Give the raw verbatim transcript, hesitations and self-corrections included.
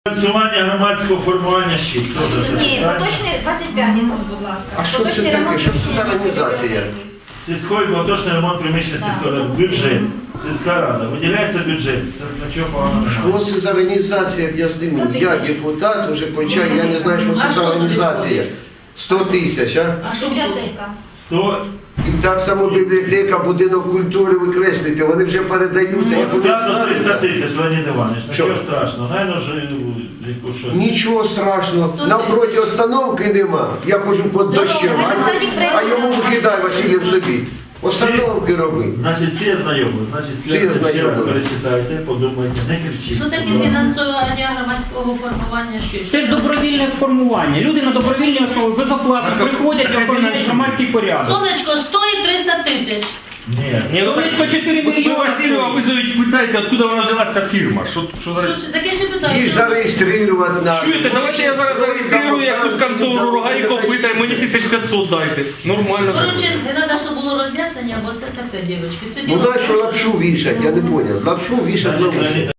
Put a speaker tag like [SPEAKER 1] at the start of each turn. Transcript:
[SPEAKER 1] Фінансування громадського формування щит.
[SPEAKER 2] Ні, поточний двадцять п'ять, будь ласка.
[SPEAKER 3] А що це таке? Що це за організація?
[SPEAKER 1] Сільський поточний ремонт приміщення сільської ради. Бюджет. Сільська рада. Виділяється бюджет. Це нічого поганого немає.
[SPEAKER 3] Що це за організація, об'ясни мені? Я депутат, вже почав, я не знаю, що це за організація. сто тисяч, а?
[SPEAKER 2] А що бібліотека?
[SPEAKER 1] сто
[SPEAKER 3] І так само бібліотека, будинок культури викреслюйте, вони вже передаються. Я буду
[SPEAKER 1] Ставно триста
[SPEAKER 3] знати.
[SPEAKER 1] тисяч, Леонід Іванович.
[SPEAKER 3] Що?
[SPEAKER 1] Нічого страшного. Найно вже яку щось.
[SPEAKER 3] Нічого страшного, навпроти остановки нема. Я хожу під дощем, а, а йому викидай, Василів, собі. Остановки роби.
[SPEAKER 1] Значить, всі знайомі. Значить, всі
[SPEAKER 3] Всі
[SPEAKER 1] ще раз
[SPEAKER 3] знайомі.
[SPEAKER 1] перечитайте, подумайте, не кричіть.
[SPEAKER 4] Що таке фінансування громадського формування? Що?
[SPEAKER 5] Це ж добровільне формування. Люди на добровільній основі безоплатно приходять і оформляють громадський порядок.
[SPEAKER 4] Сонечко стоїть триста тисяч.
[SPEAKER 1] Ні.
[SPEAKER 5] Ні, Сонечко чотири
[SPEAKER 6] Ви
[SPEAKER 5] мільйони.
[SPEAKER 6] Васильєва визовіть, питайте, откуда вона взялася фірма. Що, що за...
[SPEAKER 4] Слушай, так я ще питаю.
[SPEAKER 3] Їх
[SPEAKER 4] що-
[SPEAKER 3] зареєструвати треба.
[SPEAKER 6] Чуєте, давайте я зараз зареєструю якусь контору, Рогаїко питає, мені тисяч п'ятсот дайте. Нормально так.
[SPEAKER 4] Коротше, не треба, щоб було роз'яснення, бо це таке, дівчатки. Це
[SPEAKER 3] Ну
[SPEAKER 4] діло.
[SPEAKER 3] на що лапшу вішать, я не поняв. Лапшу вішать
[SPEAKER 1] Значить,
[SPEAKER 3] на вуші.
[SPEAKER 1] Леонід